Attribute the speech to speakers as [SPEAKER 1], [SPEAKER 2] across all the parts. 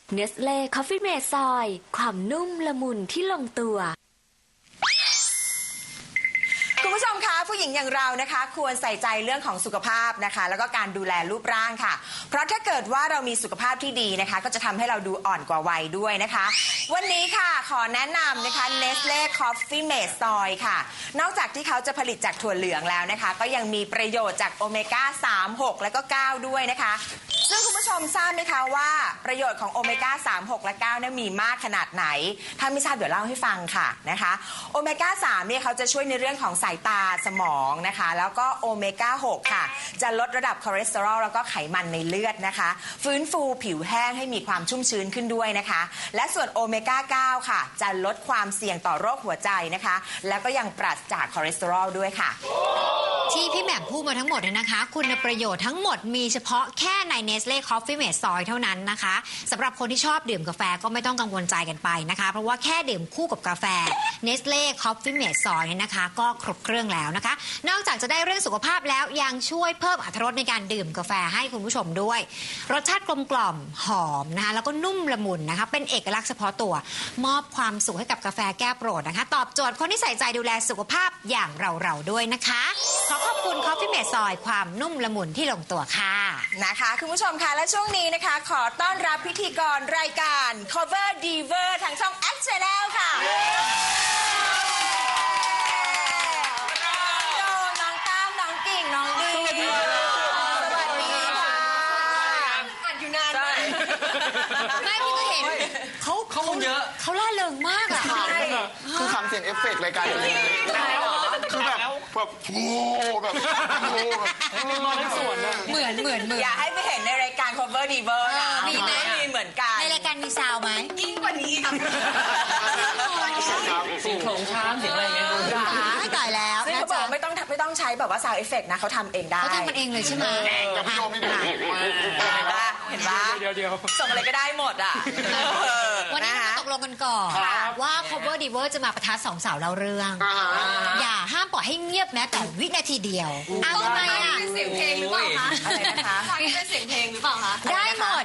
[SPEAKER 1] เนสเล่คอฟฟี่เมดซอยความนุ่มละมุนที่ลงตัว
[SPEAKER 2] คุณผู้ชมคะผู้หญิงอย่างเรานะคะควรใส่ใจเรื่องของสุขภาพนะคะแล้วก็การดูแลรูปร่างค่ะเพราะถ้าเกิดว่าเรามีสุขภาพที่ดีนะคะก็จะทำให้เราดูอ่อนกว่าวัยด้วยนะคะวันนี้ค่ะขอแนะนำนะคะ Nestle Coffee Mate Soy ค่ะนอกจากที่เขาจะผลิตจากถั่วเหลืองแล้วนะคะก็ยังมีประโยชน์จากโอเมก้า3 6และก็9ด้วยนะคะซึ่งคุณผู้ชมทราบไหมคะว่าประโยชน์ของโอเมก้า3 6และ9เนี่ยมีมากขนาดไหนถ้าไม่ทราบเดี๋ยวเล่าให้ฟังค่ะนะคะโอเมก้า3เนี่ยเขาจะช่วยในเรื่องของสายตาสมองนะคะแล้วก็โอเมก้า6ค่ะจะลดระดับคอเลสเตอรอลแล้วก็ไขมันในเลือดนะคะฟื้นฟูผิวแห้งให้มีความชุ่มชื้นขึ้นด้วยนะคะและส่วนโอเมก้า9ค่ะจะลดความเสี่ยงต่อโรคหัวใจนะคะแล้วก็ยังปราศจากคอเลสเตอรอลด้วยค่ะ
[SPEAKER 3] ที่พี่แหม่มพูดมาทั้งหมดเนี่ยนะคะคุณประโยชน์ทั้งหมดมีเฉพาะแค่ใน Nestle Coffee Mate Soy เท่านั้นนะคะสำหรับคนที่ชอบดื่มกาแฟก็ไม่ต้องกังวลใจกันไปนะคะเพราะว่าแค่ดื่มคู่กับกาแฟ Nestle Coffee Mate Soy เนี่ยนะคะก็ครบเครื่องแล้วนะคะนอกจากจะได้เรื่องสุขภาพแล้วยังช่วยเพิ่มอรรถรสในการดื่มกาแฟให้คุณผู้ชมด้วยรสชาติกลมกล่อมหอมนะคะแล้วก็นุ่มละมุนนะคะเป็นเอกลักษณ์เฉพาะตัวมอบความสุขให้กับกาแฟแก้โปรดนะคะตอบโจทย์คนที่ใส่ใจดูแลสุขภาพอย่างเราด้วยนะคะขอบคุณ Coffee Mate Soy ความนุ่มละมุนที่ลงตัวค่ะ
[SPEAKER 2] นะคะคุณผู้ชมคะและช่วงนี้นะคะขอต้อนรับพิธีกรรายการ Cover Diver ทางช่อง X Channel ค่ะน้องตั้มน้องกิ่งน้องดีสวัสดีค่ะอัดอยู่นาน
[SPEAKER 3] ไม่พี่ก็เห็นเขา
[SPEAKER 4] เยอะ
[SPEAKER 3] เขาล่าเริงมากอะ
[SPEAKER 5] คือทำเสียงเอฟเฟกต์รายการนี้คือแบบโอ้แบบ
[SPEAKER 4] นอนในสวนนะ
[SPEAKER 3] เหมือน
[SPEAKER 2] อย่าให้ไปเห็นในรายการ Cover Diver นะ
[SPEAKER 3] มีไหม
[SPEAKER 2] มีเหมือนกัน
[SPEAKER 3] ในรายการมีซาวไหม
[SPEAKER 2] ยิ่งกว่านี้ค่ะ
[SPEAKER 4] เสียงโขลงช้างเสียงอะไรอย่างเงี้ย
[SPEAKER 3] ไม่ตายแล้ว
[SPEAKER 2] ซึ่งเขาบอกไม่ต้องใช้แบบว่า sound effect นะเขาทำเองได้
[SPEAKER 3] เขาทำมันเองเลยใช่ไหม
[SPEAKER 5] กับพี่โยมไม่ดู
[SPEAKER 2] เห็นปะ
[SPEAKER 4] เดี๋ยว
[SPEAKER 2] ส่งอะไรก็ได้หมดอ่ะ
[SPEAKER 3] วันนี้เราตกลงกันก่อนว่า Cover Diver จะมาประทัดสองสาวเล่าเรื่องอย่าห้ามปล่อยให้เงียบแม้แต่วินาทีเดียวทำไมอ่ะ
[SPEAKER 2] เป็นเสียงเพลงหรือเปล่าคะอะไรนะคะเป็นเสียงเพลงหรือเปล่าคะ
[SPEAKER 3] ได้หมด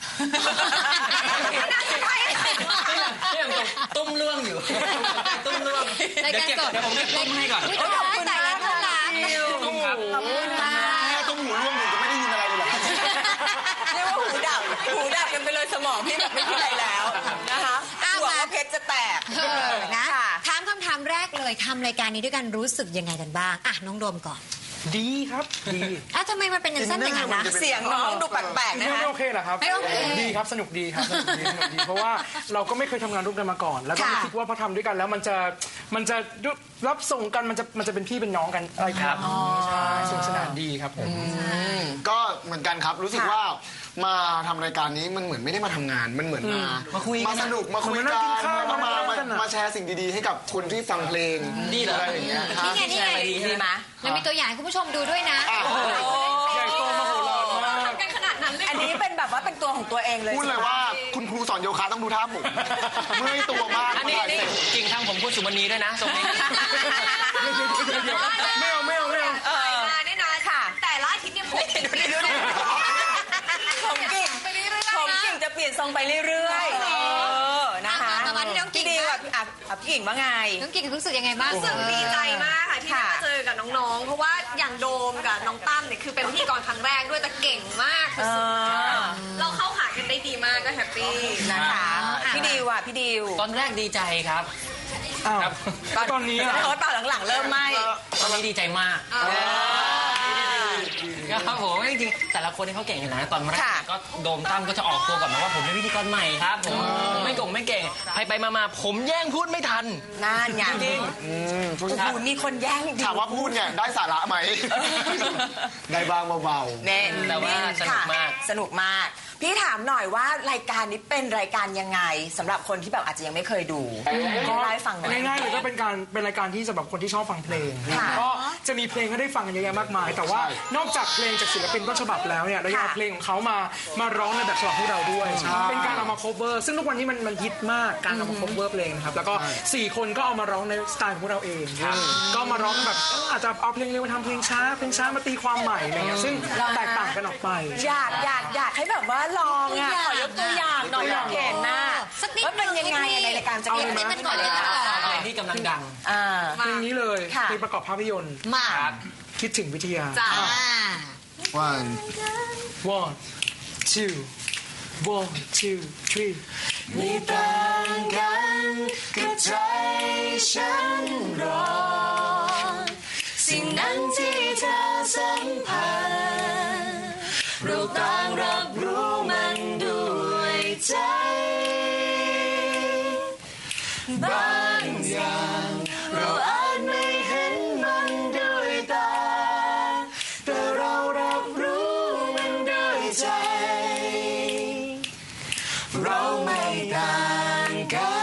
[SPEAKER 4] ยังตุ้มเรื่องอยู่ตุ้มเรื่องเดี๋ยวผมเก็บตุ้มให้ก่อน
[SPEAKER 3] ขอบคุณนะขอบคุณครับ
[SPEAKER 5] ขอบคุณค่ะตุ้มหูร่วงหนูจะไม่ได้ยินอะไรเลยหรอ
[SPEAKER 2] เรียกว่าหูดับกันไปเลยสมองพี่แบบไม่คิดอะไรแล้วนะคะหัวว่าเพชรจะแตก
[SPEAKER 3] นะถามคำถามแรกเลยทำรายการนี้ด้วยกันรู้สึกยังไงกันบ้างอ่ะน้องโดมก่อน
[SPEAKER 4] ดีครับดี
[SPEAKER 3] ทำไมมันเป็นอย่างนั้นนะ
[SPEAKER 2] เสียงน้องดูแปลกๆนะคะ
[SPEAKER 4] ไม่โอเคเหรอครับ
[SPEAKER 3] ไม่โอเค
[SPEAKER 4] ดีครับสนุกดีครับสนุกดีเพราะว่าเราก็ไม่เคยทำงานร่วมกันมาก่อนแล้วก็ไม่คิดว่าพอทำด้วยกันแล้วมันจะรับส่งกันมันจะเป็นพี่เป็นน้องกันอะไรครับใช่สนุกสนานดีครับผม
[SPEAKER 5] ก็เหมือนกันครับรู้สึกว่ามาทำรายการนี้มันเหมือนไม่ได้มาทำงานมันเหมือนมาสนุกมาคุยกันมาแชร์สิ่งดีๆให้กับคนที่ฟังเพลงอะไรอย่างเงี้ย
[SPEAKER 3] นี่ไง
[SPEAKER 2] ดีไหม
[SPEAKER 3] แล้วมีตัวอย่างให้คุณผู้ชมดูด้วยนะ
[SPEAKER 4] ใหญ่โตมโหฬารมาก
[SPEAKER 2] กันขนาดนั้นเลยอันนี้เป็นแบบว่าเป็นตัวของตัวเองเลย
[SPEAKER 5] พูดเลยว่าคุณครูสอนโยคะต้องดูท่าหมุนเมื่อยตัวมาก
[SPEAKER 4] นี่จริงทางผมคุณสุมณีด้วยนะทรงนี้ไม่เอา
[SPEAKER 2] มาแน่นอนค่ะแต่ละอาทิตย์เนี่ยผมกิ่งจะเปลี่ยนทรงไปเรื่อยๆนะคะ
[SPEAKER 3] พี่
[SPEAKER 2] ดีแบบพี่กิ่งว่าไง
[SPEAKER 3] น้องกิ่งรู้สึกยังไงบ้าง
[SPEAKER 6] รู้สึกดีใจมากค่ะที่ได้มาเจอกับน้องๆเพราะว่าอย่างโดมกับน้องตั้มเนี่ยคือเป็นพิธีกรครั้งแรกด้วยแต่เก่งมากสุดๆเราเข้าหากันได้ดีมากก็แฮปปี้
[SPEAKER 2] นะคะพี่ดิวพี่ดิว
[SPEAKER 4] ตอนแรกดีใจครับตอนนี้
[SPEAKER 2] ตอนหลังๆเริ่มไม่
[SPEAKER 4] ตอนนี้ดีใจมากครับผมจริงๆแต่ละคนที่เขาเก่งอยู่นะตอนแรกก็โดมตั้มก็จะออกตัวก่อนนะว่าผมเป็นพิธีกรใหม่ครับผมไม่เก่งไปมาผมแย่งพูดไม่ทัน
[SPEAKER 2] นั่นไงจริงมีคนแย่ง
[SPEAKER 5] ถามว่าพูดเนี่ยได้สาระไหมได้บ้างเบา
[SPEAKER 2] ๆแน่
[SPEAKER 4] แต่ว่าสนุกมาก
[SPEAKER 2] พี่ถามหน่อยว่ารายการนี้เป็นรายการยังไงสำหรับคนที่แบบอาจจะยังไม่เคยดูก็เล่าให้ฟังหน่อย
[SPEAKER 4] ง่ายๆเลยก็เป็นรายการที่สำหรับคนที่ชอบฟังเพลง
[SPEAKER 2] ค่ะ
[SPEAKER 4] ก็จะมีเพลงให้ได้ฟังกันเยอะแยะมากมาย แต่ว่านอกจากเพลงจากศิลปินต้นฉบับแล้วเนี่ยเรายังเอาเพลงของเขามาร้องในแบบฉบับพวกเราด้วยเป็นการเอามา cover ซึ่งทุกวันนี้มันฮิตมากการเอามา cover เพลงนะครับแล้วก็4คนก็เอามาร้องในสไตล์ของพวกเราเองก็มาร้องแบบอาจจะเอาเพลงเร็วมาทำเพลงช้ามาตีความใหม่อะไรเงี้ยซึ่งแตกต่างกันออกไป
[SPEAKER 2] อยากให้แบบว่าลองอ่ะขอยกตัวอย่างหน่อยอยากเห็นนะ
[SPEAKER 3] สักนิด
[SPEAKER 2] ว่าเป็นยังไงในรายการจะ
[SPEAKER 3] เอา
[SPEAKER 2] เป็น
[SPEAKER 3] เล่นกันก่อนเลยนะ
[SPEAKER 7] เพลงที่กำลังดัง
[SPEAKER 4] เพลงนี้เลย
[SPEAKER 2] ค่ะ
[SPEAKER 4] เพลงประกอบภาพยนตร์
[SPEAKER 3] มา
[SPEAKER 4] คิดถึงวิทยา
[SPEAKER 6] จ้า
[SPEAKER 5] one
[SPEAKER 4] one two one two three
[SPEAKER 5] มีต่างกันกับใจฉันรอสิ่งนั้นที่เธอสัมผัสเราต่างรับรู้มันด้วยใจบางอย่างเราอาจไม่เห็นมันด้วยตาแต่เรารับรู้มันด้วยใจเราไม่ต่างกัน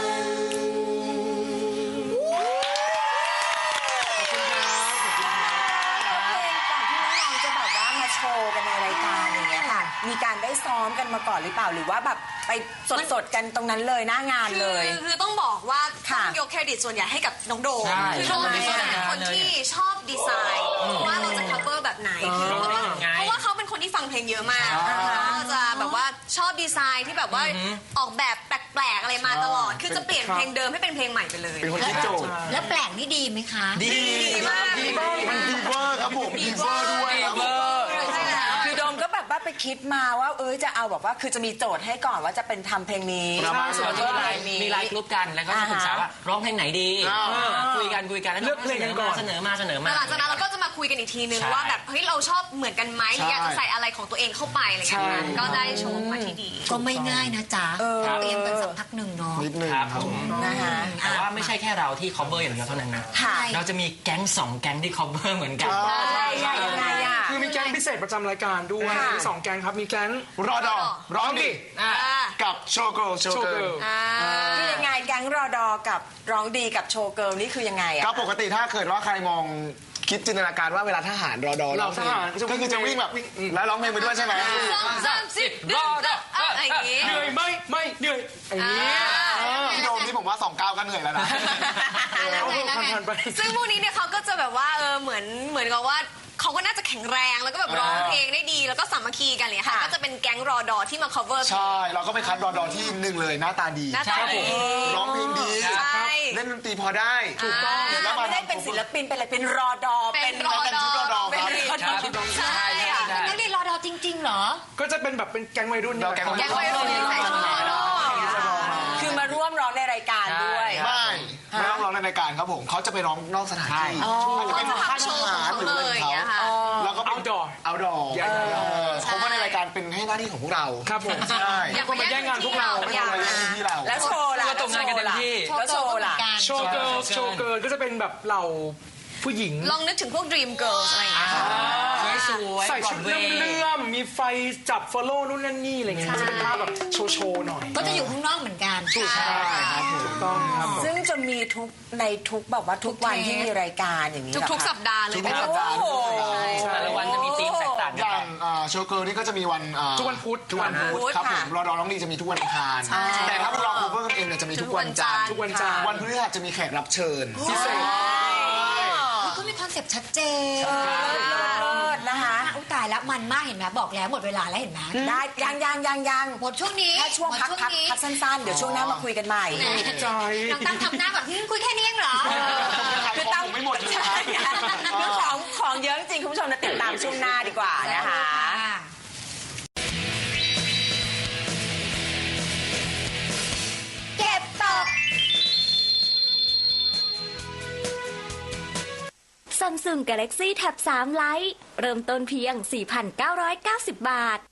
[SPEAKER 2] ก่อนที่น้องๆจะแบบว่ามาโชว์กันในรายการอย่างเงี้ยค่ะ มีการได้ซ้อมกันมาก่อนหรือเปล่าหรือว่าแบบไปสดๆกันตรงนั้นเลยหน้างานเลย
[SPEAKER 6] คือต้องบอกว่าต้
[SPEAKER 2] ค่ะ
[SPEAKER 6] องยกเครดิตส่วนใหญ่ให้กับน้องโดม
[SPEAKER 7] ใช่
[SPEAKER 6] คือโดมเนี่ยเป็นคนที่ชอบดีไซน์ว่าเราจะ cover แบบไหนคือเพราะว่าเขาเป็นคนที่ฟังเพลงเยอะมากก็จะแบบว่าชอบดีไซน์ที่แบบว่าออกแบบแปลกๆอะไรมาตลอด คือจะเปลี่ยนเพลงเดิมให้เป็นเพลงใหม่ไปเลย
[SPEAKER 5] เป็นคนที่โจทย์
[SPEAKER 3] แล้วแปลกนี่ดีไหมคะ
[SPEAKER 7] ดี
[SPEAKER 6] มาก
[SPEAKER 5] มันดีเวอร์ครับผมดีเวอร์ด้วยครับผม
[SPEAKER 2] คือโดมก็แบบว่าไปคิดมาว่าจะเอาแบบว่าคือจะมีโจทย์ให้ก่อนว่าจะเป็นทำเพลงนี้
[SPEAKER 7] ใช่
[SPEAKER 2] ส่วน
[SPEAKER 7] มี
[SPEAKER 2] ว่า
[SPEAKER 7] ไลน์มีไลน์กลุ่มกันแล้วก็จะปรึกษาว่าร้องเพลงไหนดีคุยกันแล้ว
[SPEAKER 4] เลือกเพลงกันก่อน
[SPEAKER 7] เสนอมา
[SPEAKER 6] แต่หลังจากนั้นเราก็จะมาคุยกันอีกทีนึง
[SPEAKER 7] ใช่
[SPEAKER 6] ว่าแบบเฮ้ยเราชอบเหมือนกันไหมหรืออยากจะใส่อะไรของตัวเองเข้าไปอะไรอย่างเงี้ยก็ได้โชว์มาที่ดี
[SPEAKER 3] ก็ไม่ง่ายนะจ๊ะเตรียมกันสักพักหนึ่งเนาะ
[SPEAKER 5] นิดนึง
[SPEAKER 7] ครับ
[SPEAKER 5] ครับ
[SPEAKER 7] ผม
[SPEAKER 2] นะคะ
[SPEAKER 7] แต่ว่าไม่ใช่แค่เราที่ cover อย่างเดียวเท่านั้นนะ
[SPEAKER 2] ค่ะ
[SPEAKER 7] เราจะมีแก๊ง2 แก๊งที่ cover เหมือนกัน
[SPEAKER 2] ใช่ยังไงอ่ะ
[SPEAKER 4] คือมีแก๊งพิเศษประจำรายการด้วย
[SPEAKER 2] ค่ะ
[SPEAKER 4] มี2แก๊งครับมีแก๊ง
[SPEAKER 5] รอดอร้องดิ กับโชว์เกิร์ล
[SPEAKER 4] โชว์เกิร์ล
[SPEAKER 2] คือยังไงแก๊งรอดอกับร้องดีกับโชว์เกิร์ลนี่คือยังไงอ่ะ
[SPEAKER 5] ก็ปกติถ้าเกิดว่าใครมองคิดจินตนาการว่าเวลาทหารรอดอ
[SPEAKER 4] เราทหาร
[SPEAKER 5] ก็คือจะวิ่งแบบแล้วร้องเพลงไปด้วยใช่ไหม
[SPEAKER 6] 2 3 10รอดอะไรอย่างงี้
[SPEAKER 4] เหนื่อยไม่เหนื่อยอย่างนี้
[SPEAKER 5] พี่โดมนี่ผมว่า2 ก้าวก็เหนื่อยแล้วนะ
[SPEAKER 4] เอาเพิ่มผ่านไป
[SPEAKER 6] ซึ่งพวกนี้เนี่ยเขาก็จะแบบว่าเหมือนกับว่าเขาก็น่าจะแข็งแรงแล้วก็แบบร้องเพลงได้ดีแล้วก็สามัคคีกันเลยค่ะ
[SPEAKER 2] ค่ะ
[SPEAKER 6] ก็จะเป็นแก๊งรอดอที่มา cover เพล
[SPEAKER 5] ใช่
[SPEAKER 6] ง
[SPEAKER 5] เราก็ไปคัดรอดอที่หนึ่งเลยหน้าตาดี
[SPEAKER 6] หน้าตาดี
[SPEAKER 5] ร้องเพลงดี
[SPEAKER 6] ใช่
[SPEAKER 5] เล่นดนตรีพอได้ถูกต้องแล้วมา
[SPEAKER 2] ไม่ได้เป็นศิลปินเป็นอะไรเป็นรอดอ
[SPEAKER 6] เป็นรอดอ
[SPEAKER 5] ชุดรอดอ
[SPEAKER 2] เป็น
[SPEAKER 5] ครับ
[SPEAKER 2] รอดอ
[SPEAKER 6] ใช่ค่ะ
[SPEAKER 3] นักเรียนรอดอจริงๆเหรอ
[SPEAKER 4] ก็จะเป็นแบบเป็นแก๊งวัยรุ่น
[SPEAKER 5] เราแก๊ง
[SPEAKER 6] แก๊งวัยรุ่นที่ใส่ชุดรอดอ
[SPEAKER 2] คือมาร่วมร้องในรายการด้วย
[SPEAKER 5] ไม่ต้องร้องในรายการครับผมเขาจะไปร้องนอกสถานที่อาจจะเป็นค่ายทหารหรืออะไรของเขาแล้วก็
[SPEAKER 4] outdoor
[SPEAKER 5] เอาดอเขาว่าในรายการเป็นให้หน้าที่ของพวกเรา
[SPEAKER 4] ครับผม
[SPEAKER 5] ใช่
[SPEAKER 4] ไม่ควรมาแย่งงานพวกเรา
[SPEAKER 5] ไม่ต้องมาแย่งที่เรา
[SPEAKER 2] แล้วโชว์ล่ะ
[SPEAKER 7] ก็ตรงงานกันเต็มที่
[SPEAKER 2] แล้วโชว์ล่ะ
[SPEAKER 4] โชว์เกิร์ลก็จะเป็นแบบเหล่าผู้หญิง
[SPEAKER 6] ลองนึกถึงพวก Dream Girls อะไรอย่างเงี้ย
[SPEAKER 7] สวยๆ
[SPEAKER 4] ใส่ชุด
[SPEAKER 7] ก่อนเวย์
[SPEAKER 4] เลื่อมๆมีไฟจับ follow นู่นนั่นนี่อะไรเงี้ยก็จะเป็นภาพแบบโชว์หน่อย
[SPEAKER 3] ก็จะอยู่ข้างนอกเหมือนกัน
[SPEAKER 4] ถูกต้องครับผม
[SPEAKER 2] ซึ่งจะมีในทุกแบบว่าทุกวันที่มีรายการอย่างนี้เหรอคะ
[SPEAKER 6] ทุกๆสัปดาห์เลย
[SPEAKER 5] ทุก
[SPEAKER 6] นะ
[SPEAKER 5] สั
[SPEAKER 6] คะ
[SPEAKER 5] ปดาห์
[SPEAKER 2] โอ้โห
[SPEAKER 7] แต่ละวันจะมีธีมแตกต่าง
[SPEAKER 5] อ
[SPEAKER 7] กัน
[SPEAKER 5] ย่าง
[SPEAKER 7] ไป
[SPEAKER 5] โชว์เกิร์ลนี่ก็จะมีวัน
[SPEAKER 4] ทุกวันพุธ
[SPEAKER 5] ครับผมรอดอร้องดีจะมีทุกวันอังคารแต่ถ้าพวกเราโคเวอร์กันเองเนี่ยจะมีทุกวันจันทร์
[SPEAKER 4] ทุกวันจันทร์
[SPEAKER 5] วันพฤหัสจะมีแขกรับเชิญ
[SPEAKER 4] พิเศษ
[SPEAKER 3] ก็มีคอนเซ็ปต์ชัดเจน
[SPEAKER 2] เลิศนะคะ
[SPEAKER 3] อุ้ยตายแล้วมันมากเห็นไหมบอกแล้วหมดเวลาแล้วเห็นไหม
[SPEAKER 2] ได้ยัง
[SPEAKER 3] หมดช่วงนี้
[SPEAKER 2] แค่ช่วง
[SPEAKER 3] หมด
[SPEAKER 2] พักสั้นๆ เดี๋ยวช่วงหน้ามาคุยกันใหม่
[SPEAKER 4] ใจ
[SPEAKER 3] น้องตั้งทำหน้าก่อนคุยแค่นี้เองเหรอ
[SPEAKER 2] คือตั้ง
[SPEAKER 5] ไม่หมดเลยครับ
[SPEAKER 2] คือของเยอะจริงคุณผู้ชมนะติดตามช่วงหน้าดีกว่านะคะ
[SPEAKER 3] เก็บตก
[SPEAKER 1] Samsung Galaxy Tab 3 Lite เริ่มต้นเพียง 4,990 บาท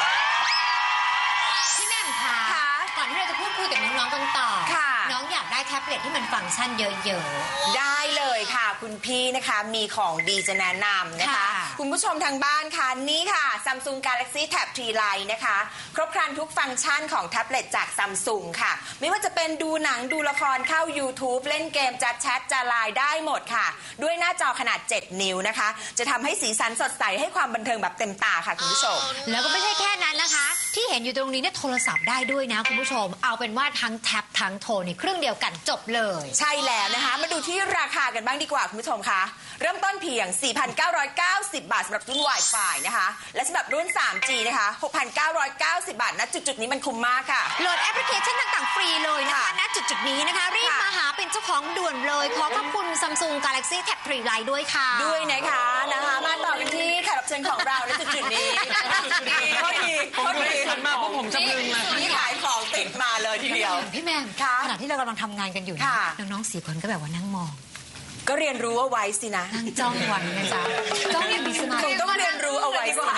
[SPEAKER 3] พี่แหม่มคะก่อนที่เราจะพูดคุยกับน้องๆกันต่อ
[SPEAKER 2] ค่ะ
[SPEAKER 3] น้องอยากได้แทท็บเล็ตที่มันฟังก์ชันเยอะ
[SPEAKER 2] ได้เลยค่ะคุณพี่นะคะมีของดีจะแนะนำนะคะ
[SPEAKER 3] ค่ะ
[SPEAKER 2] คุณผู้ชมทางบ้านค่ะนี่ค่ะ Samsung Galaxy Tab 3 Lite นะคะครบครันทุกฟังก์ชันของแท็บเล็ตจาก Samsung ค่ะไม่ว่าจะเป็นดูหนังดูละครเข้า YouTube เล่นเกมจะแชทจะไลน์ได้หมดค่ะ ด้วยหน้าจอขนาด 7 นิ้วนะคะ จะทำให้สีสันสดใสให้ความบันเทิงแบบเต็มตาค่ะคุณผู้ชม
[SPEAKER 3] ๆ แล้วก็ไม่ใช่แค่นั้นนะคะ ที่เห็นอยู่ตรงนี้เนี่ยโทรศัพท์ได้ด้วยนะคุณผู้ชม เอาเป็นว่าทั้งแท็บทั้งโทรในเครื่องเดียวกันจบเลย
[SPEAKER 2] ใช่แล้วนะคะ มาดูที่ราคากันบ้างดีกว่าคุณผู้ชมคะเริ่มต้นเพียง 4,990 บาทสำหรับรุ่น Wi-Fi นะคะ และสำหรับรุ่น 3G นะคะ 6,990 บาทณจุดๆนี้มันคุ้มมากค่ะ
[SPEAKER 3] โหลดแอปพลิเคชันต่างๆฟรีเลยนะคะณจุดๆนี้นะคะ รีบมาหาเป็นเจ้าของด่วนเลย ขอขอบคุณ Samsung Galaxy Tab 3 Lite ด้วยค่ะ
[SPEAKER 2] ด้วยนะคะมาต่อกันที่แขกรับเชิญของเราณจุดๆนี้ก็ดี
[SPEAKER 7] ผมดูหันมาพวกผมจะพึงเลย
[SPEAKER 2] นี่ขายของติดมาเลยทีเดียว
[SPEAKER 3] พี่แมม
[SPEAKER 2] ค่ะ
[SPEAKER 3] ขณะที่เรากำลังทำงานกันอยู่นะ
[SPEAKER 2] ค่ะ
[SPEAKER 3] น้องๆ4 คนก็แบบว่านั่งมอง
[SPEAKER 2] ก็เรียนรู้เอาไว้สินะ
[SPEAKER 3] นั่งจ้องวันนะจ๊ะจ้องอย่างมีสมา
[SPEAKER 2] ค
[SPEAKER 3] ธิ
[SPEAKER 2] งต้องเรียนรู้เอาไว้สินะ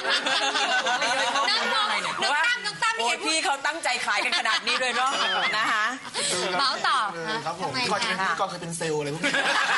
[SPEAKER 3] นั่งมองน้องตั้ม
[SPEAKER 2] โอ้
[SPEAKER 3] เห็
[SPEAKER 2] ย
[SPEAKER 3] น
[SPEAKER 2] พี่เขาตั้งใจขายกันขนาดนี้เลยเนาะนะคะ
[SPEAKER 3] เมาส์ต่อ
[SPEAKER 5] ครับผม
[SPEAKER 3] ทำไม
[SPEAKER 5] ก่อนจะ
[SPEAKER 3] คะ
[SPEAKER 5] เป็นพิธีกรเคยเป็นเซลล์อะไรพวกนี้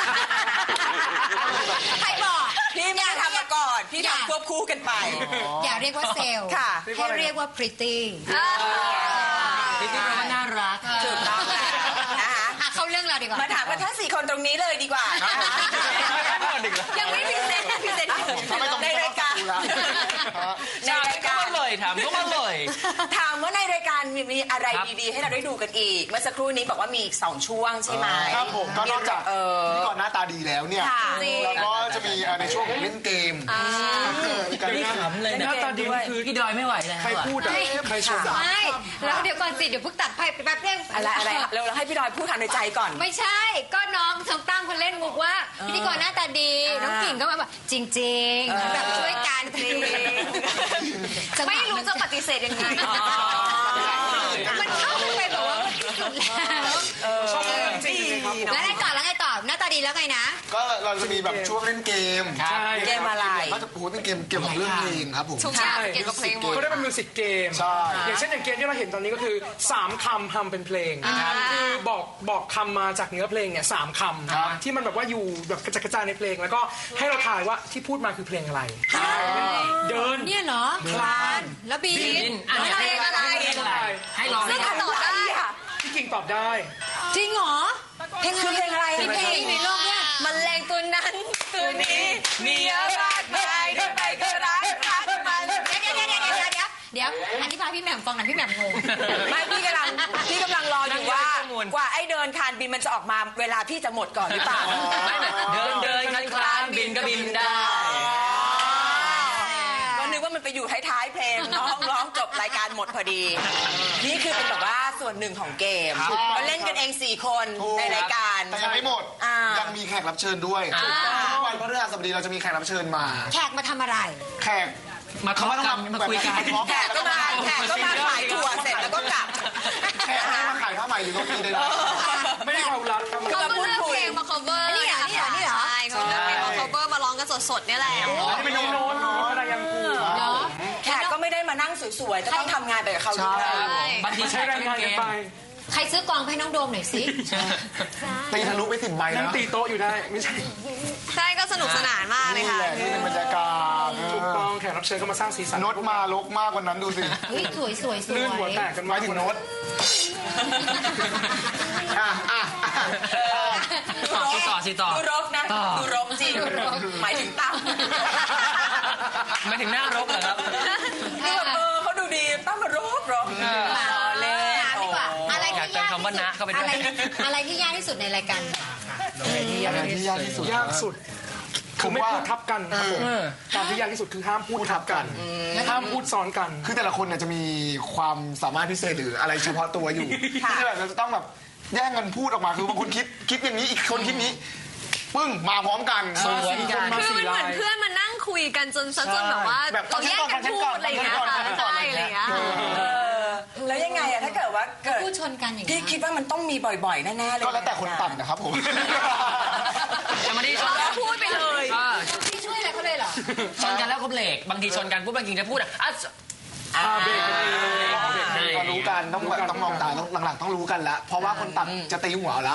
[SPEAKER 3] ใครบอก
[SPEAKER 2] พี่ไม่ได้ทำมาก่อน พี่ทำควบคู่กันไป
[SPEAKER 3] อย่าเรียกว่าเซลล์
[SPEAKER 2] ค่ะ
[SPEAKER 3] ให้เรียกว่า pretty
[SPEAKER 7] พี่ที่แปลว่าน่ารัก
[SPEAKER 2] ถูกต้องแล้วนะคะ
[SPEAKER 3] อ่ะเข้าเรื่องเราดีกว่า
[SPEAKER 2] มาถามกันทั้ง4 คนตรงนี้เลยดีกว่านะคะ ยังไม่พิเศษในรายการ ในราย
[SPEAKER 7] ก็
[SPEAKER 2] การ
[SPEAKER 7] มาเลยถามก็มาเลย
[SPEAKER 2] ถามว่าในรายการมีอะไร
[SPEAKER 7] ครับ
[SPEAKER 2] ดีๆ ให้เราได้ดูกันอีก เมื่อสักครู่นี้บอกว่ามีอีก2 ช่วงใช่ไหม
[SPEAKER 5] ครับผมก็นอกจากพิธีกรหน้าตาดีแล้วเนี่ย
[SPEAKER 2] ค่ะ
[SPEAKER 5] แล้วก็จะมีในช่วงของเล่นเกมการ
[SPEAKER 7] นี่ขำเลย
[SPEAKER 4] ห
[SPEAKER 7] นะ
[SPEAKER 4] น้าตาดีคือ
[SPEAKER 7] พี่ดอยไม่ไหวแล้ว
[SPEAKER 4] ใครพูดอะใครชม
[SPEAKER 3] ไม่แล้วเดี๋ยวก่อนสิ เดี๋ยวเพิ่งตัดไปแป๊บเดียว
[SPEAKER 2] อะไรเราให้พี่ดอยพูดทางในใจก่อน
[SPEAKER 3] ไม่ใช่ ก็น้องทั้งตั้งคนเล่นมุกว่าพิธีกรหน้าตาดี น้องกิ่งก็มาแบบจริงๆแบบช่วยกันจริง
[SPEAKER 6] ไม่รู้จะปฏิเสธยังไง
[SPEAKER 3] มันเข้าไปแบบว่ามันที่สุดแล้ว
[SPEAKER 4] ชอบจริงๆครับ
[SPEAKER 3] แล้วไงต่อแล้วไงต่อหน้าตาดีแล้วไงนะ
[SPEAKER 5] ก็เราจะมีแบบช่วงเล่นเกม
[SPEAKER 4] ใช่
[SPEAKER 2] เกมอะไร
[SPEAKER 5] ก็จะพูดเป็นเกมเกี่ยวกับเรื่องเพลงครับผม
[SPEAKER 6] ทุกอย่างเกี่ยวกับเพลงหมด
[SPEAKER 4] เขาได้เป็นมิวสิกเกม
[SPEAKER 5] ใช่
[SPEAKER 4] อย่างเช่นอย่างเกมที่เราเห็นตอนนี้ก็คือ 3 คำทำเป็นเพลงคือบอกคำมาจากเนื้อเพลงเนี่ย3 คำที่มันแบบว่าอยู่แบบกระจัดกระจายในเพลง แล้วก็ให้เราทายว่าที่พูดมาคือเพลงอะไรเดิน
[SPEAKER 3] เนี่ยเหรอคลานแล้วบี
[SPEAKER 7] บินอะไรให้ลอง
[SPEAKER 6] ซึ่งตอบได้
[SPEAKER 4] พี่กิ่งตอบได้
[SPEAKER 3] จริงเหรอ
[SPEAKER 2] เพลงอะไร
[SPEAKER 3] มีเพลงในโลกเนี่ย
[SPEAKER 6] มันแรงตัวนั้นตัวนี้
[SPEAKER 2] มีอะไรไม่ได้ไปก็รักมัน
[SPEAKER 3] เดี๋ยวอธิบายพี่แหม่มฟังหน่อยพี่แหม่มงง
[SPEAKER 2] ไม่พี่กำลังรออยู่ว่ากว่าไอ้เดินคานบินมันจะออกมาเวลาพี่จะหมดก่อนหรือเปล่า
[SPEAKER 7] เดินคลานบินก็บินได้
[SPEAKER 2] ก็นึกว่ามันไปอยู่ท้ายๆเพลงร้องจบรายการหมดพอดี นี่คือเป็นแบบว่าส่วนหนึ่งของเกมก็เล่นกันเอง4 คนในรายการ
[SPEAKER 5] แต่ยังไม่หมด
[SPEAKER 2] อ่ายั
[SPEAKER 5] ยังมีแขกรับเชิญด้วยทุกวันพฤหัสบดีเราจะมีแขกรับเชิญมา
[SPEAKER 3] แขกมาทำอะไร
[SPEAKER 5] แขก
[SPEAKER 7] มาทอล์กกันมาคุยกัน
[SPEAKER 2] แขกก็มาขายถั่วเสร็จแล้วก็กลับ
[SPEAKER 5] แขกให้มาขายผ้าไหมหรือโรตีได้
[SPEAKER 4] ไม่ได้ความรักครับ
[SPEAKER 6] เขาก็เลือกเพลงมา cover
[SPEAKER 3] นี่เหรอ
[SPEAKER 6] ใช่เขาเลือกเพลงมา cover มาร้องกันสดๆนี่แหละ
[SPEAKER 4] ไม่เป็นโน้ตอะไรยังกู
[SPEAKER 3] เนาะ
[SPEAKER 2] แขกก็ไม่ได้มานั่งสวยๆจะต้องทำงานไปกับเขาด้วย
[SPEAKER 7] บางที
[SPEAKER 4] ใช้แรงงานกันไป
[SPEAKER 3] ใครซื้อกองให้น้องโดมหน่อยสิ
[SPEAKER 5] ตีทะลุไป10 ใบ
[SPEAKER 4] นั่ง
[SPEAKER 5] นะ
[SPEAKER 4] ตีโต๊ะอยู่ได้ไม่ใช่
[SPEAKER 6] ใช่ก็สนุกสนานมากเลย
[SPEAKER 5] นี่
[SPEAKER 6] ค่ะ
[SPEAKER 5] แหละนี่เป็นบรรยากาศ
[SPEAKER 4] ถูกต้องแขกรับเชิญก็มาสร้างสีสัน
[SPEAKER 5] โน้ตมาลกมากกว่านั้นดูสิ
[SPEAKER 3] เฮ้ยสวยสวยสวย
[SPEAKER 4] ลื่นหัวแตกกัน
[SPEAKER 5] หมายถึงโน้ตอ่ะ
[SPEAKER 7] ต่อ
[SPEAKER 2] ดูรกนะดูรกจริงหมายถึงตั้ม
[SPEAKER 7] ไม่ถึงหน้ารกเหรอครับ
[SPEAKER 2] คือแบบเขาดูดีตั้มมารกเล่น
[SPEAKER 3] ดีกว่าอะไร
[SPEAKER 7] อยาก
[SPEAKER 3] ที่
[SPEAKER 7] เติม
[SPEAKER 3] ยาก
[SPEAKER 7] คำว่านะเข้าไปด้วย
[SPEAKER 3] อะไรที่ยากที่สุดในรายการ
[SPEAKER 5] อะไรที่ยากที่สุด
[SPEAKER 4] ยากสุดคือไม่พูดทับกันครับผมการที่ยากที่สุดคือห้ามพูดทับกันห้ามพูดซ้อนกัน
[SPEAKER 5] คือแต่ละคนเนี่ยจะมีความสามารถพิเศษหรืออะไรเฉพาะตัวอยู่ที่แบบเราจะต้องแบบแย่งกันพูดออกมาคือบางคนคิดอย่างนี้อีกคนคิดนี้ปึ้งมาพร้อมกัน
[SPEAKER 4] สวนกัน
[SPEAKER 6] คือมันเหมือนเพื่อนมานั่งคุยกันจนแบบว่า
[SPEAKER 5] แบบ
[SPEAKER 6] เราแยกกันพูดอะไรอย่างเงี้ยค่ะใช่อะไรอย่างเงี้ย
[SPEAKER 2] แล้วยังไงอะถ้าเกิดว่าเกิด
[SPEAKER 3] พูดชนกันอย่าง
[SPEAKER 2] พี่
[SPEAKER 3] นี้
[SPEAKER 2] คิดว่ามันต้องมีบ่อยๆแน่ๆเลย
[SPEAKER 5] ก็แล้วแต่คนตัดนะครับผม
[SPEAKER 7] จะไม่ได้ชน
[SPEAKER 6] เราพูดไปเลย
[SPEAKER 3] พี่ช่วยอะไรเขาเลยเหรอ
[SPEAKER 7] ชนกันแล้วก็เบรกบางทีชนกันปุ๊บบางทีจะพูดอ่ะ
[SPEAKER 4] เบรกกันเอง
[SPEAKER 5] ก็รู้กันต้องมองตาต้องหลังๆต้องรู้กันแล้วเพราะว่าคนตัดจะตีหัวแล้ว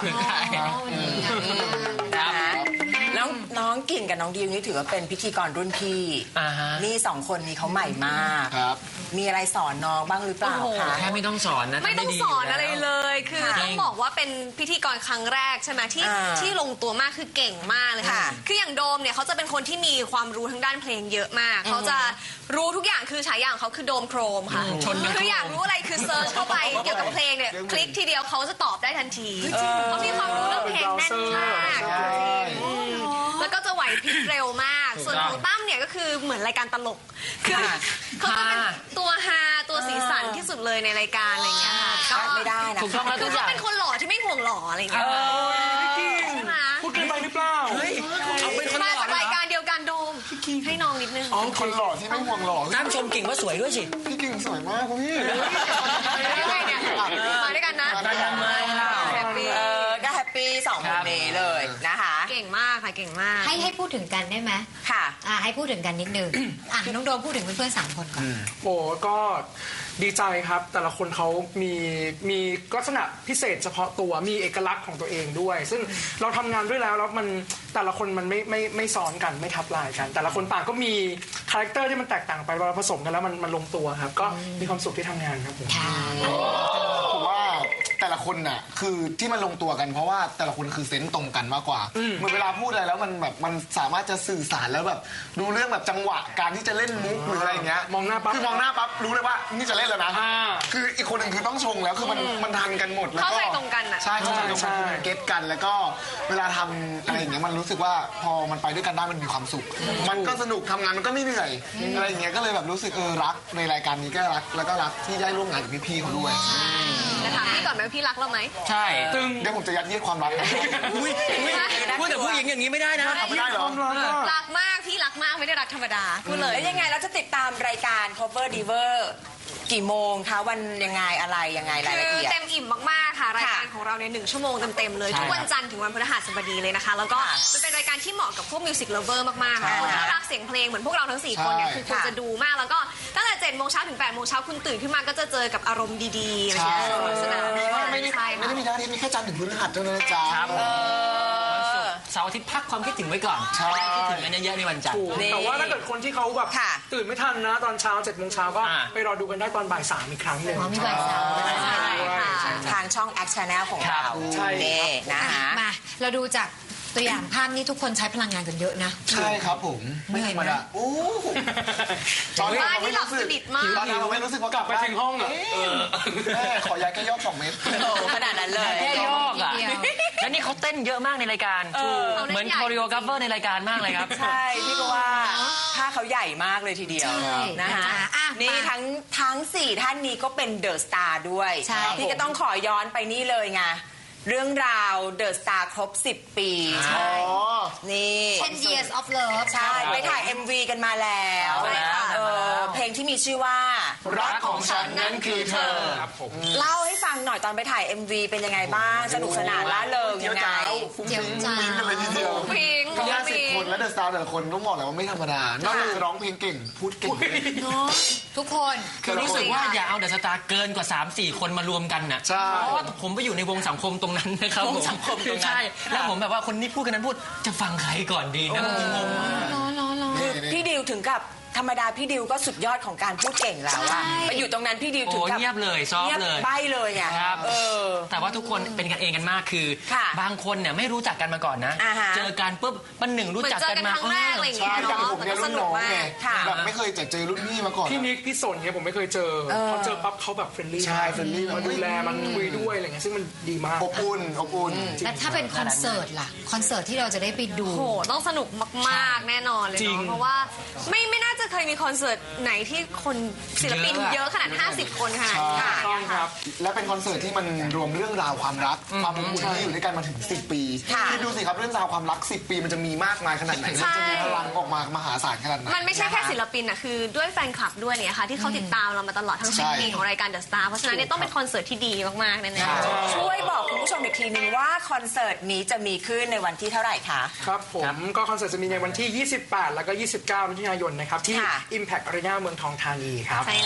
[SPEAKER 2] แล้วน้องกิ่งกับน้องดิวนี่ถือว่าเป็นพิธีกรรุ่นพี่นี่2 คนนี้เขาใหม่มาก
[SPEAKER 5] ครับ
[SPEAKER 2] มีอะไรสอนน้องบ้างหรือเปล่าคะ
[SPEAKER 7] แค่ไม่ต้องสอนนะ
[SPEAKER 6] ไม่ต้องสอนอะไรเลย คือต้องบอกว่าเป็นพิธีกรครั้งแรกใช่ไหมที่ลงตัวมากคือเก่งมากเลยค่ะ คืออย่างโดมเนี่ยเขาจะเป็นคนที่มีความรู้ทางด้านเพลงเยอะมากเขาจะรู้ทุกอย่างคือฉายาของเขาคือโดมโครมค่ะคืออยากรู้อะไรคือเซิร์ชเข้าไปเกี่ยวกับเพลงเนี่ยคลิกทีเดียวเขาจะตอบได้ทันทีเขามีความรู้เรื่องเพลงแน่นมากแล้วก็จะไหวพริบเร็วมาก ส่วนของตั้มเนี่ยก็คือเหมือนรายการตลกคือเขาจะเป็นตัวฮาตัวสีสันที่สุดเลยในรายการอะไรเงี้ยค่ะก็
[SPEAKER 2] ไม่ได้นะ
[SPEAKER 7] ถูกต้องแล้วทุกอย่าง
[SPEAKER 6] เป็นคนหล่อที่ไม่ห่วงหล่ออะไรเงี้ย ใช่ไหม
[SPEAKER 4] พูดเกินไปหรือเปล่า
[SPEAKER 6] มาจากรายการเดียวกันโดมให้น้องนิดนึง
[SPEAKER 5] คนหล่อที่ไม่ห่วงหล่อ
[SPEAKER 7] ตั้มชมกิ่งว่าสวยด้วยสิ
[SPEAKER 5] พี่กิ่งสวยมากครับพี่
[SPEAKER 6] ยังไงเนี่ยมาด้วยกันนะ
[SPEAKER 7] มาด้วยกันไหม
[SPEAKER 6] แฮปปี้
[SPEAKER 2] ก็แฮปปี้2 คนนี้เลยนะคะ
[SPEAKER 6] เก่งมากค่ะเก่งมาก
[SPEAKER 3] ให้พูดถึงกันได้ไหม
[SPEAKER 2] ค่ะ
[SPEAKER 3] ให้พูดถึงกันนิดนึงน้องโดมพูดถึงเพื่อนๆ3 คนก่อน
[SPEAKER 4] โอ้ก็ดีใจครับแต่ละคนเขามีลักษณะพิเศษเฉพาะตัวมีเอกลักษณ์ของตัวเองด้วย ซึ่งเราทำงานด้วยแล้วมันแต่ละคนมันไม่ซ้อนกันไม่ทับลายกัน แต่ละคนต่างก็มีคาแรคเตอร์ที่มันแตกต่างไปเวลาผสมกันแล้วมันลงตัวครับก็มีความสุขที่ทำงานครับผม
[SPEAKER 5] ผมว่าแต่ละคนน่ะคือที่มันลงตัวกันเพราะว่าแต่ละคนคือเซนส์ตรงกันมากกว่าเหมือนเวลาพูดอะไรแล้วมันแบบมันสามารถจะสื่อสารแล้วแบบดูเรื่องแบบจังหวะการที่จะเล่นมุกหรืออะไรอย่างเงี้ย
[SPEAKER 4] มองหน้าปั๊บ
[SPEAKER 5] คือมองหน้าปั๊บรู้เลยว่านี่จะเล่นแล้วนะ คืออีกคนหนึ่งคือต้องชงแล้วคือมันทันกันหมดแล้วก็
[SPEAKER 6] เข้าใจตรงกันอะ
[SPEAKER 5] ใช่เข้าใจตรงกันคือมันเก็ตกันแล้วก็เวลาทำอะไรอย่างเงี้ยมันรู้สึกว่าพอมันไปด้วยกันได้มันมีความสุข มันก็สนุกทำงานมันก็ไม่เหนื่อยอะไรอย่างเงี้ยก็เลยแบบรู้สึกรักในรายการนี้ก็รักแล้วก็รักที่ได้ร่วมงานกับพี่ๆเขาด้วย
[SPEAKER 6] จะถามพี่ก่อนไหมว่าพี่รักเราไหม
[SPEAKER 7] ใช่
[SPEAKER 4] ตึง
[SPEAKER 5] เดี๋ยวผมจะยัดเยียดความรักให้
[SPEAKER 7] อุ้ยพูดกับผู้หญิงอย่างนี้ไม่ได้นะ
[SPEAKER 5] ไม่ได้เหรอ
[SPEAKER 6] รักมากพี่รักมากไม่ได้รักธรรมดาพูดเลย
[SPEAKER 2] แล้วยังไงเราจะติดตามรายการ Cover Diver กี่โมงคะวันยังไงอะไรยังไงราย
[SPEAKER 6] คื
[SPEAKER 2] ละ
[SPEAKER 6] อ
[SPEAKER 2] เอียด
[SPEAKER 6] เต็มอิ่มมากๆค่ะรายการของเราใน1 ชั่วโมงเต็มๆเลยทุกวันจันทร์ถึงวันพฤหัสบดีเลยนะคะแล้วก็มันเป็นรายการที่เหมาะกับพวกมิวสิกเลเวอร์มากๆค่ะคนที่รักเสียงเพลงเหมือนพวกเราทั้ง4 คนเนี่ยคือควรจะดูมากแล้วก็ตั้งแต่7 โมงเช้าถึง8 โมงเช้าคุณตื่นขึ้นมาก็จะเจอกับอารมณ์ดีๆอะไรอย่างเงี้ยสนุกสนาน
[SPEAKER 5] ไม่ได้
[SPEAKER 6] ใช่
[SPEAKER 5] ไม่
[SPEAKER 6] ค่ะ
[SPEAKER 5] ได้มีหน้าที่มีแค่จันทร์ถึงพฤหัสเท่านั้นนะจ๊ะ
[SPEAKER 7] ครับเสาร์อาทิตย์พักความคิดถึงไว้ก่อน
[SPEAKER 5] ใช่
[SPEAKER 7] คิดถึงกันเยอะๆในวันจันทร์
[SPEAKER 4] ถูกแต่ว่าถ้าเกิดคนที่เขาแบบ
[SPEAKER 2] ค่ะ
[SPEAKER 4] ตื่นไม่ทันนะตอนเช้า7 โมงเช้าก็
[SPEAKER 7] อ่า
[SPEAKER 4] ไปรอดูกันได้ตอนบ่าย 3อีกครั้งหนึ่ง
[SPEAKER 3] มีบ่าย 3
[SPEAKER 6] ใช่ค่ะ
[SPEAKER 2] ทางช่อง Act Channel ของเรา
[SPEAKER 4] ใช่
[SPEAKER 2] นี่นะคะ
[SPEAKER 3] มาเราดูจากตัวอย่างภาพนี่ทุกคนใช้พลังงานกันเยอะนะ
[SPEAKER 5] ใช่ครับผมไม่ธรรมดาโอ้ตอนนี้
[SPEAKER 6] บ้านที่หลับสนิทมาก
[SPEAKER 5] ตอนนี้เราไม่รู้สึกว่ากลับ
[SPEAKER 4] ไปถึงห้องอ่ะ
[SPEAKER 5] แม่ขอยาแก้ยอก2 เม็ด
[SPEAKER 2] โอ้ขนาดนั้นเลย
[SPEAKER 7] แค่ยอกอ่ะ
[SPEAKER 3] นิดเดียว
[SPEAKER 7] แล้วนี่เขาเต้นเยอะมากในรายการ เหมือนคอริโอกราฟเวอร์ในรายการมากเลยครับ
[SPEAKER 2] ใช่พี่ก็ว่าถ้าเขาใหญ่มากเลยทีเดียว
[SPEAKER 3] ใช่
[SPEAKER 2] นะคะ
[SPEAKER 3] อ่ะ
[SPEAKER 2] นี่
[SPEAKER 3] มา
[SPEAKER 2] ทั้ง4 ท่านนี้ก็เป็นเดอะสตาร์ด้วย
[SPEAKER 3] ใช่
[SPEAKER 2] พี่ก็ต้องขอย้อนไปนี่เลยไงเรื่องราวเดอะสตาร์ครบ 10 ปี
[SPEAKER 5] อ๋อ
[SPEAKER 2] นี่
[SPEAKER 3] 10 years of love
[SPEAKER 2] ใช่ไปถ่าย MV กันมาแล้ว
[SPEAKER 7] ใช่ค่ะ
[SPEAKER 2] เพลงที่มีชื่อว่า
[SPEAKER 5] รักของฉันนั้นคือเธอ
[SPEAKER 4] ครับผม
[SPEAKER 2] เล่าให้ฟังหน่อยตอนไปถ่าย MV เป็นยังไงบ้างสนุกสนานล่าเริง
[SPEAKER 5] เจีย
[SPEAKER 2] ยั
[SPEAKER 5] ว
[SPEAKER 2] งไง
[SPEAKER 5] จ้าวฟุ้งฟิ้งฟุ้งฟิ้งกันเลยทีเดียว
[SPEAKER 6] พิง
[SPEAKER 5] ก็50
[SPEAKER 6] พิง
[SPEAKER 5] คนแล้วเดอะสตาร์แต่ละคนต้องบอกเลยว่าไม่ธรรมดานอกจากจะร้องเพลงเก่งพูดเก่ง
[SPEAKER 3] ทุกคน
[SPEAKER 7] คือรู้สึกว่าอย่าเอาเดอะสตาร์เกินกว่า 3-4 คนมารวมกันน่ะ
[SPEAKER 5] ใช่
[SPEAKER 7] เพราะว่าผมไปอยู่ในวงสังคมตรงนั้นนะครับวงสังคมตรงนั้นใช่แล้วผมแบบว่าคนนี้พูดกันนั้นพูดจะฟังใครก่อนดีนะงง
[SPEAKER 2] คือพี่ดิวถึงกับธรรมดาพี่ดิวก็สุดยอดของการพูดเก่งแล้วอะไปอยู่ตรงนั้นพี่ดิว
[SPEAKER 7] โอ้
[SPEAKER 2] ถึงกับ
[SPEAKER 7] เงียบเลยซอฟ
[SPEAKER 2] เงียบ
[SPEAKER 7] เลย
[SPEAKER 2] ใบเลยไง
[SPEAKER 7] ครับ
[SPEAKER 2] แต่
[SPEAKER 7] ว่าทุกคนเป็นกันเองกันมากคือ
[SPEAKER 2] ค่ะ
[SPEAKER 7] บางคนเนี่ยไม่รู้จักกันมาก่อนนะ
[SPEAKER 2] อ่าฮะ
[SPEAKER 7] เจอกันปุ๊บมันหนึ่งรู้
[SPEAKER 6] เหมือน
[SPEAKER 7] จัก
[SPEAKER 6] เจอ
[SPEAKER 7] กัน
[SPEAKER 6] กัน
[SPEAKER 7] มา
[SPEAKER 6] ครั้งแรกอะไรอย่าง
[SPEAKER 5] ใช่
[SPEAKER 6] เงี้ย
[SPEAKER 5] อย่าง
[SPEAKER 6] เนาะ
[SPEAKER 5] ผม
[SPEAKER 6] แต่
[SPEAKER 5] เนี่
[SPEAKER 6] ก็
[SPEAKER 5] ย
[SPEAKER 6] ส
[SPEAKER 5] รุ่น
[SPEAKER 6] นุ
[SPEAKER 5] น้
[SPEAKER 6] ก
[SPEAKER 5] อง
[SPEAKER 6] มา
[SPEAKER 5] ไง
[SPEAKER 6] ก
[SPEAKER 2] ค่ะ
[SPEAKER 5] แบบไม่เคยเจอรุ่นพี่มาก่อน
[SPEAKER 4] พี่นิกพี่สนเนี่ยผมไม่เคยเจอพอเจอปั๊บเขาแบบเฟรนลี่
[SPEAKER 5] ใช่เฟรนลี่
[SPEAKER 4] มาดูแลมันคุยด้วยอะไรเงี้ยซึ่งมันดีมาก
[SPEAKER 5] อบอุ่นอบอุ่น
[SPEAKER 3] และถ้าเป็นคอนเสิร์ตล่ะ คอนเสิร์ตที่เราจะได้ไปดู
[SPEAKER 6] โอ้โหต้องสนุกมากๆแน่นอนเลย
[SPEAKER 4] จริง
[SPEAKER 6] เนาะเพราะว่าไม่น่าจะเคยมีคอนเสิร์ตไหนที่คนศิลปินเยอะขนาด 50 คนขนาดนี้
[SPEAKER 4] ต้องครับ
[SPEAKER 5] และเป็นคอนเสิร์ตที่มันรวมเรื่องราวความรักความอบอุ่นที่อยู่ด้วยกันมาถึง 10 ปีคิดดูสิครับเรื่องราวความรัก 10 ปีมันจะมีมากมายขนาดไหนมันจะมีพลังออกมามหาศาลขนาดไหน
[SPEAKER 6] มันไม่ใช่แค่ศิลปินอะคือด้วยแฟนคลับด้วยเนี่ยค่ะที่เขาติดตามเรามาตลอดทั้ง
[SPEAKER 5] ใช่
[SPEAKER 6] 10 ปีของรายการ The Star เพราะฉะนั้นเนี่ยต้องเป็นคอนเสิร์ตที่ดีมากๆแน่ๆ
[SPEAKER 2] ช่วยบอกคุณผู้ชมอีกทีนึงว่าคอนเสิร์ตนี้จะมีขึ้นในวันที่เท่าไหร่คะ
[SPEAKER 4] ครับผมก็คอนเสิร์ตจะมีในวันที่ 28 แล้วก็ 29 มิถุนายนนะครับที่
[SPEAKER 2] ค่ะ
[SPEAKER 4] Impact Arena เมืองทองธานีครับ
[SPEAKER 6] ใช่แล้ว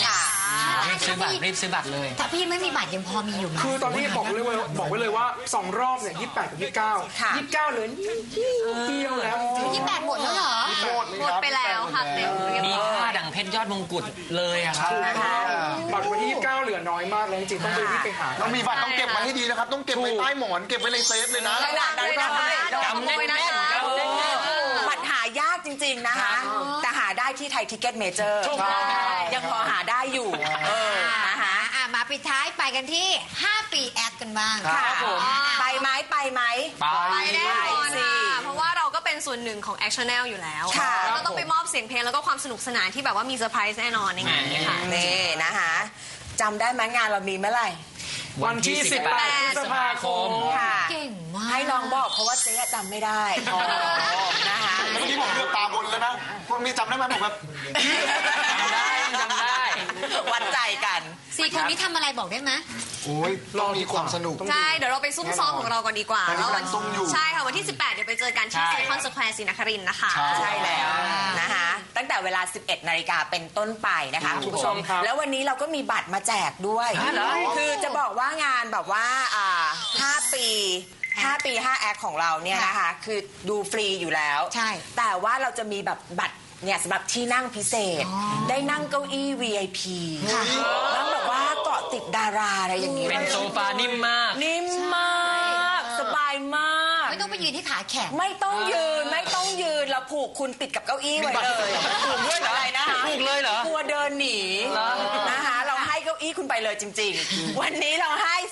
[SPEAKER 7] รีบซื้อบัตรเลย
[SPEAKER 3] ถ้าพี่ไม่มีบัตรยังพอมีอยู่ไหม
[SPEAKER 4] คือตอนนี้บอกไว้เลยว่า2 รอบเนี่ย28 กับ 29 29เหลือนิดเดียวแล้วจริง
[SPEAKER 3] 28หมดแล้วเหรอ
[SPEAKER 6] หมดไปแล้วค่ะเต็มเรียบ
[SPEAKER 7] มี
[SPEAKER 6] ร้อย
[SPEAKER 7] ค่าดั่งเพชรยอดมงกุฎเลยอะครับ
[SPEAKER 4] บัตรวันที่29เหลือน้อยมากเลยจริงๆต้องไปรีบไปหา
[SPEAKER 5] เรามีบัตรต้องเก็บไว้ให้ดีนะครับ ต้องเก็บไว้ใต้หมอน เก็บไว้ในเซฟเลยนะ
[SPEAKER 2] ขนาดนั้นเลย
[SPEAKER 6] จำแน่นๆครับ
[SPEAKER 2] บัตรหายากจริงๆนะคะ แต่หาได้ที่ไทยทิกเก็ตเมเจอร์ยังพอหาได้อยู่นะคะ
[SPEAKER 3] มาปิดท้ายไปกันที่ 5 ปีแอดกันบ้าง
[SPEAKER 2] ครับผมไปไหม
[SPEAKER 7] ไป
[SPEAKER 6] แน่นอน
[SPEAKER 2] สิ
[SPEAKER 6] ค่ะเพราะว่าเราก็เป็นส่วนหนึ่งของ Action Channel อยู่แล้ว
[SPEAKER 2] ค่ะ
[SPEAKER 6] เราต้องไปมอบเสียงเพลงแล้วก็ความสนุกสนานที่แบบว่ามีเซอร์ไพรส์แน่นอนในงานนี้ค่ะ
[SPEAKER 2] นี่นะคะจำได้ไหมงานเรามีเมื่อไหร่
[SPEAKER 4] วันที่18 พฤษภาคม
[SPEAKER 2] ค่ะ
[SPEAKER 3] เก่งมาก
[SPEAKER 2] ให้น้องบอกเพราะว่าเจ๊จำไม่ได้นะคะ
[SPEAKER 5] เมื่อกี้ผมเลือกตาบนแล้วนะพวกนี้จำได้ไหมผมแบบ
[SPEAKER 7] จำได้
[SPEAKER 2] วัดใจกัน
[SPEAKER 3] 4 คนนี้ทำอะไรบอกได้ไหม
[SPEAKER 5] โอ้ยต้องมีความสนุก
[SPEAKER 6] ใช่ เดี๋ยวเราไปซุ่มซ้อมของเราก่อนดีกว่า
[SPEAKER 5] ตอนนี้กำลังซุ่มอยู่
[SPEAKER 6] ใช่ค่ะวันที่ 18 เดี๋ยวไปเจอกันที่
[SPEAKER 7] ใช่
[SPEAKER 6] ไซคอนสแควร์ศรีนครินทร์นะคะ
[SPEAKER 2] ใช่แล้วนะคะตั้งแต่เวลา 11 นาฬิกาเป็นต้นไปนะคะคุณผู้ชม
[SPEAKER 4] ครับ
[SPEAKER 2] แล้ววันนี้เราก็มีบัตรมาแจกด้วย คือจะบอกว่างานแบบว่า5 ปี 5 แอคของเราเนี่ยนะคะ คือดูฟรีอยู่แล้ว
[SPEAKER 3] ใช่
[SPEAKER 2] แต่ว่าเราจะมีแบบบัตรเนี่ยสำหรับที่นั่งพิเศษ ได้นั่งเก้าอี้ VIP นั่งแบบว่าเกาะติดดาราอะไรอย่างนี้
[SPEAKER 7] เป็นโซฟานิ่มมาก
[SPEAKER 2] นิ่มมากสบายมาก
[SPEAKER 3] ไม่ต้องไปยืนที่ขาแข็ง
[SPEAKER 2] ไม่ต้องยืนเราผูกคุณติดกับเก้าอี้ไว้เลยผูกด้วยอะไรนะคะ
[SPEAKER 7] ผูกเลยเหรอ
[SPEAKER 2] กลัวเดินหนีนะคะเราให้เก้าอี้คุณไปเลยจริง ๆ วันนี้เราให้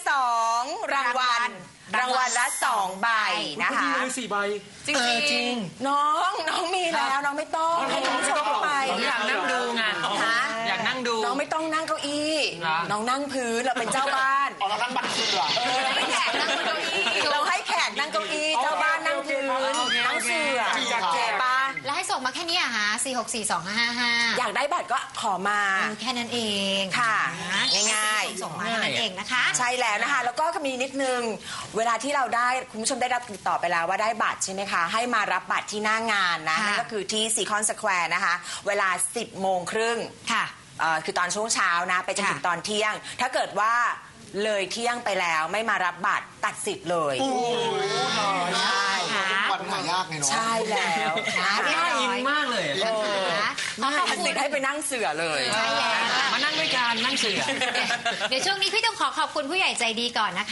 [SPEAKER 2] 2 รางวัลละ2 ใบนะคะ
[SPEAKER 4] พี่เลย4 ใบ
[SPEAKER 6] จริง
[SPEAKER 2] น้องมีแล้วน้องไม่ต้องให้น้องชมไป
[SPEAKER 7] ผมอยากนั่งดูไง
[SPEAKER 2] ฮะ
[SPEAKER 7] อยากนั่งดู
[SPEAKER 2] น้องไม่ต้องนั่งเก้าอี้
[SPEAKER 7] เหรอ
[SPEAKER 2] น้องนั่งพื้นเราเป็นเจ้าบ้าน
[SPEAKER 5] เอาแล้วนั่งบัตรเสือ
[SPEAKER 2] เราให้แขกนั่งเก้าอี้เราให้แขกนั่งเก้าอี้เจ้าบ้านนั่งพื้นนั่งเสื่อ
[SPEAKER 4] อยากแจก
[SPEAKER 2] ปะ
[SPEAKER 3] แล้วให้ส่งมาแค่นี้อะฮะ4642555
[SPEAKER 2] อยากได้บัตรก็ขอมา
[SPEAKER 3] แค่นั้นเอง
[SPEAKER 2] ค่ะ
[SPEAKER 3] นะ
[SPEAKER 2] ง่ายๆ
[SPEAKER 3] ส่งมาแค่นั้นเองนะคะ
[SPEAKER 2] ใช่แล้วนะคะ แล้วก็มีนิดนึง เวลาที่เราได้คุณผู้ชมได้รับติดต่อไปแล้วว่าได้บัตรใช่ไหมคะ ให้มารับบัตรที่หน้างานนะ
[SPEAKER 3] ค่ะ
[SPEAKER 2] นั่นก็คือที่ซีคอนสแควร์นะคะ เวลา 10 โมงครึ่ง
[SPEAKER 3] ค่ะ
[SPEAKER 2] คือตอนช่วงเช้านะไปจนถึง
[SPEAKER 3] ค่ะ
[SPEAKER 2] ตอนเที่ยง ถ้าเกิดว่าเลยเที่ยงไปแล้วไม่มารับบัตรตัดสิทธิ์เลยใช่
[SPEAKER 5] วันหายากไงเนาะ
[SPEAKER 2] ใช่แล้วนะ
[SPEAKER 7] น่า
[SPEAKER 2] คะ
[SPEAKER 7] อินมากเลย
[SPEAKER 3] นะคะขอขอบ
[SPEAKER 2] ตัด
[SPEAKER 3] คุ
[SPEAKER 2] สิ
[SPEAKER 3] ณ
[SPEAKER 2] ทธิ์ให้ไปนั่งเสือเลย
[SPEAKER 3] ใช่แล้ว
[SPEAKER 7] มานั่งด้วยกันนั่งเสือ
[SPEAKER 3] เดี๋ยวช่วงนี้พี่ต้องขอขอบคุณผู้ใหญ่ใจดีก่อนนะคะ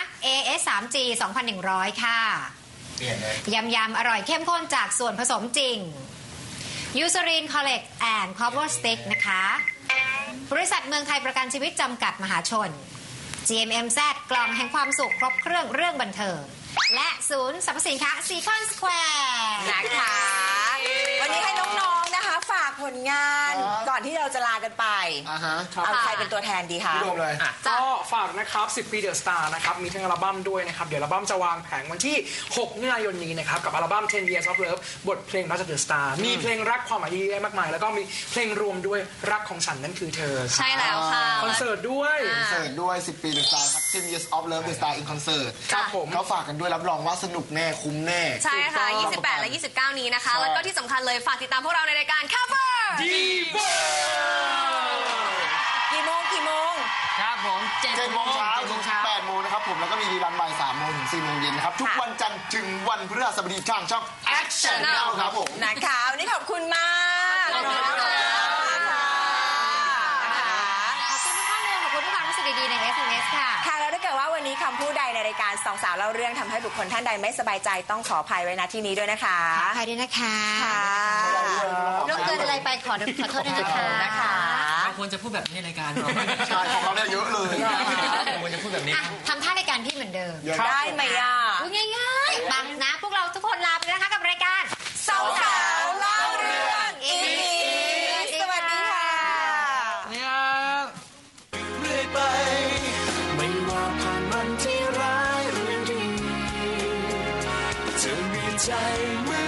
[SPEAKER 3] AS 3G 2,100 ค่ะ ยำอร่อยเข้มข้นจากส่วนผสมจริง ยูซ r รินคอลเลกแอนด์คอ v เวอร์สติ๊กนะคะ บริษัทเมืองไทยประกันชีวิตจำกัดมหาชน GMMZ กล่องแห่งความสุขครบเครื่องเรื่องบันเทิง และศูนย์สรรพสินค้าซีคอนสแควร์
[SPEAKER 2] นะคะ วันนี้ให้น้องๆนะคะ ฝากผลงานก่อนที่เราจะลากันไป
[SPEAKER 5] ฮะ
[SPEAKER 2] เอาใครเป็นตัวแทนดีคะ
[SPEAKER 5] พี่โดมเลย
[SPEAKER 4] ก็ฝากนะครับ 10 ปีเดอะสตาร์นะครับ มีทั้งอัลบั้มด้วยนะครับ เดี๋ยวอัลบั้มจะวางแผงวันที่ 6 มิถุนายนนี้นะครับ กับอัลบั้ม 10 Years of Love บทเพลงรักจากเดอะสตาร์มีเพลงรักความหมายดีๆมากมาย แล้วก็มีเพลงรวมด้วยรักของฉันนั่นคือเธอ
[SPEAKER 6] ๆ ใช่แล้วค่ะ
[SPEAKER 4] คอนเสิร์ตด้วย
[SPEAKER 5] คอนเสิร์ตด้วย 10 ปี The Star ครับ 10 Years of Love The Star in Concert
[SPEAKER 4] ครับผม
[SPEAKER 5] เขาฝากกันด้วยรับรองว่าสนุกแน่คุ้มแน่
[SPEAKER 6] ใช่ค่ะ 28 และ 29 นี้นะคะ แล้วก็ที่สำคัญเลยฝากติดตามพวกเราในรายการ Cover
[SPEAKER 4] ดีโบ
[SPEAKER 2] กี่โมง
[SPEAKER 7] ครับผม
[SPEAKER 5] 7 โมงเช้า
[SPEAKER 7] 7 โม
[SPEAKER 5] ถึ
[SPEAKER 7] ง
[SPEAKER 5] ง
[SPEAKER 7] เช้า
[SPEAKER 5] 8 โมงนะครับผม แล้วก็มีรีรันบ่าย 3 โมงถึง 4 โมงเย็นนะครับ ทุกวันจันทร์ถึงวันพฤหัสบดีทางช่อง Action Now ครับผม
[SPEAKER 2] นะคะวันนี้ขอบคุณมาก
[SPEAKER 6] ขอบคุณค่ะ
[SPEAKER 3] ขอบคุณทุกข้อมูลขอบคุณทุกความรู้สึกดีๆใน SMS ค่ะ
[SPEAKER 2] ค่ะแล้วถ้าเกิดว่าวันนี้คำพูดใดในรายการสองสาวเล่าเรื่องทำให้บุคคลท่านใดไม่สบายใจต้องขออภัยไว้ณที่นี้ด้วยนะคะ
[SPEAKER 3] ขออภัยด้วยนะคะ
[SPEAKER 2] ค่ะ
[SPEAKER 3] ลูกเกินอะไรไปขอโทษด้วยนะคะ
[SPEAKER 7] เราควรจะพูดแบบนี้ในรายการเรา
[SPEAKER 5] ใช่ของเราเนี่ยเยอะเลย
[SPEAKER 7] เราควรจะพูดแบบนี้
[SPEAKER 3] อ่ะทำท่ารายการพี่เหมือนเดิม
[SPEAKER 2] ได้ไหมอ่ะ
[SPEAKER 3] พูดง่ายๆบังนะ พวกเราทุกคนลาไปแล้วนะคะกับรายการ
[SPEAKER 2] สองสาวเล่าเรื่องอีกสวัสดีค่ะ
[SPEAKER 8] เรื่อยไป ไม่ว่าผ่านวันที่ร้ายหรือดีจะมีใจเหมือน